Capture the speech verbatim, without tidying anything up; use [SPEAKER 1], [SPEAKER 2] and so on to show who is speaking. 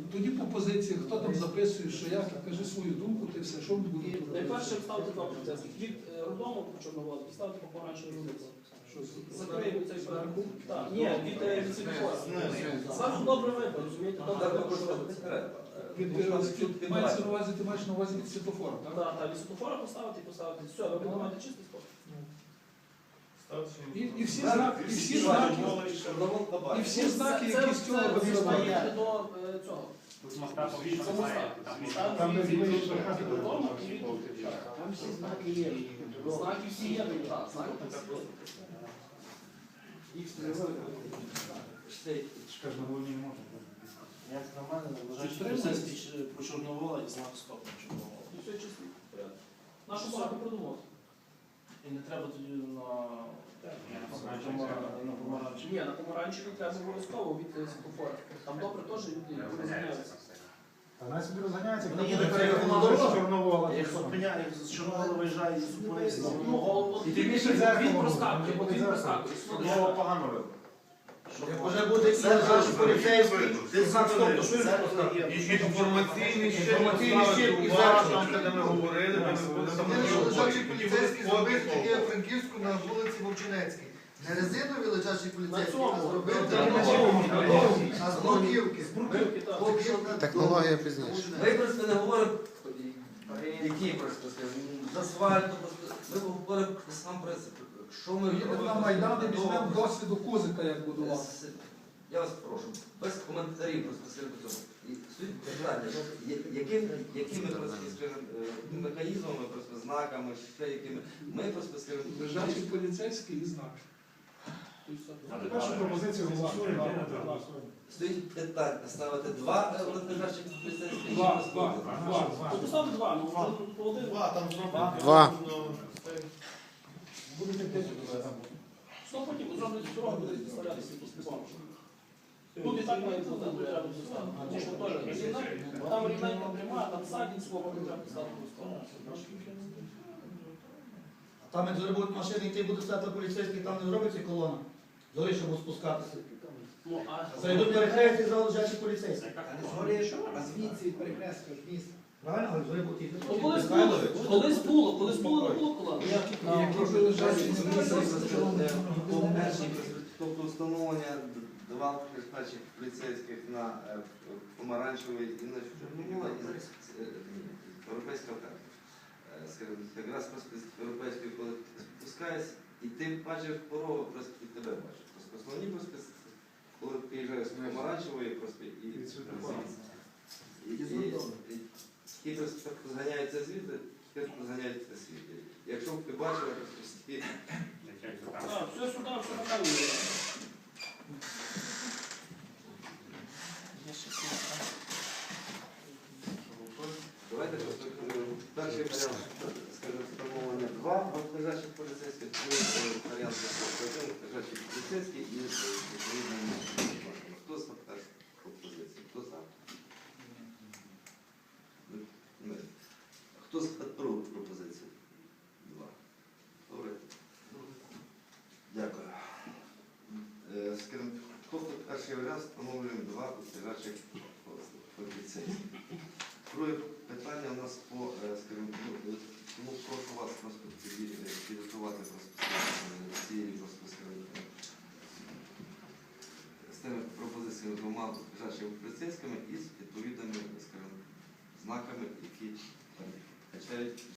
[SPEAKER 1] тоді по позиціях, хто там записує, що як, кажи свою думку, ти все, що ми будемо робити.
[SPEAKER 2] Найперше вставити два поліцейських. Від роддому по Чорноволу поставити по помаранчевій вулиці. Закриємо цей перерахунок. Так, ні, від від світлофора. Зразу добре видно, розумієте? Добре видно, що робиться.
[SPEAKER 1] Ти маєш на увазі, ти маєш на увазі від світлофора, так?
[SPEAKER 2] Так, так, від світлофора поставити і поставити. Все, ви будете мати чистий спорт.
[SPEAKER 1] І, і всі знаки, і всі знаки, і всі знаки, які з цього виглядають.
[SPEAKER 2] До цього.
[SPEAKER 3] Там не змінюється.
[SPEAKER 2] Там всі знаки є. Знаки всі є, так, знаки всі є. Їх
[SPEAKER 3] Скажи, на волні не можна.
[SPEAKER 4] Як на мене, вважаю, по Чорновола і знак стоп на Чорновола.
[SPEAKER 2] І все чисто. Нашу багато продумати.
[SPEAKER 4] І не треба тоді на на помаранчі.
[SPEAKER 2] Ні, на помаранчеві треба обов'язково від світлофора. Там добре теж люди розганяються.
[SPEAKER 3] А нас собі розганяється, коли
[SPEAKER 4] Ні,
[SPEAKER 3] буде
[SPEAKER 4] так
[SPEAKER 3] переговорно
[SPEAKER 4] дорога.
[SPEAKER 3] з Чорновола.
[SPEAKER 4] Як зупиняє, з Чорновола виїжджає і зупинився.
[SPEAKER 3] І ти більше зеркало
[SPEAKER 2] Він
[SPEAKER 3] буде.
[SPEAKER 2] проскакує,
[SPEAKER 3] Буде
[SPEAKER 2] він
[SPEAKER 3] зеркало.
[SPEAKER 2] проскакує.
[SPEAKER 4] Чорновола погано робить.
[SPEAKER 5] Як вже буде і лежачий поліцейський, ти знак стоп, то що він
[SPEAKER 4] Це
[SPEAKER 6] І інформаційний щит,
[SPEAKER 5] Інформаційний щит і
[SPEAKER 6] уважно,
[SPEAKER 5] зараз.
[SPEAKER 6] де ми говорили, ми не будемо там
[SPEAKER 5] лежачий
[SPEAKER 6] робити.
[SPEAKER 5] поліцейський зробив таке в Франківську на вулиці Вовчинецькій. Не резинові лежачі поліцейські, а зробив а з блоківки.
[SPEAKER 7] Технологія пізніше.
[SPEAKER 8] Ми просто не говоримо, які просто скажімо, з асфальту, ми говоримо про сам принцип. Що ми
[SPEAKER 1] Їдемо на Майдан і візьмемо досвіду Кузика, як будувати.
[SPEAKER 8] Я вас прошу, без коментарів просто скажімо по цьому. І суть питання, яким, якими просто, скажімо, механізмами, просто знаками, ще якими, ми просто скажімо,
[SPEAKER 1] Лежачий поліцейський і знак.
[SPEAKER 3] Першу пропозицію голосуємо.
[SPEAKER 8] стоїть питання ставити два лежачих поліцейських.
[SPEAKER 1] Два, два, два.
[SPEAKER 2] Ну, поставте два, ну, по один.
[SPEAKER 6] Два, там зроблено.
[SPEAKER 7] Два.
[SPEAKER 3] Будете п'ять.
[SPEAKER 2] Що потім зроблять дорогу, буде доставлятися якісь допомоги. Тут і так має бути, тут треба доставити. Тому що теж рівна, там рівненька пряма, там садінь свого, потім треба доставити просто.
[SPEAKER 5] Там як зараз будуть машини йти, буде стати поліцейський, там не зробиться колона. Зори, щоб спускатися.
[SPEAKER 2] Ну, а...
[SPEAKER 5] Зайдуть перехрестя і зал лежачі поліцейські.
[SPEAKER 3] А звідси від перехрестка в місто.
[SPEAKER 5] Правильно, але зори будуть йти.
[SPEAKER 2] Ну, колись було, колись було, колись було, не було колони.
[SPEAKER 1] Які вже лежачі
[SPEAKER 8] Тобто встановлення два перших поліцейських на помаранчевий і на Чорновола і європейська карта. Скажімо, якраз просто з європейської, коли спускаєшся, і ти бачиш порогу, просто і тебе бачиш. Просто основні просто, коли приїжджаєш з помаранчевої, просто і і ті просто зганяються звідти, ті зганяються звідти. Якщо б ти бачила, то всі...
[SPEAKER 2] Так, все сюди, все показує.
[SPEAKER 8] Давайте просто перший варіант, скажімо, встановлення два лежачих поліцейських, другий варіант один лежачий поліцейський і відповідно. Хто за першу пропозицію? Хто за? Хто за другу пропозицію? Два. Добре. Дякую. Скажімо, тобто перший варіант встановлюємо два лежачих поліцейських. Друге питання у нас по, скажімо, тому прошу вас просто підготувати цією з тими пропозиціями двома лежачими поліцейськими і з відповідними, скажімо, знаками, які качають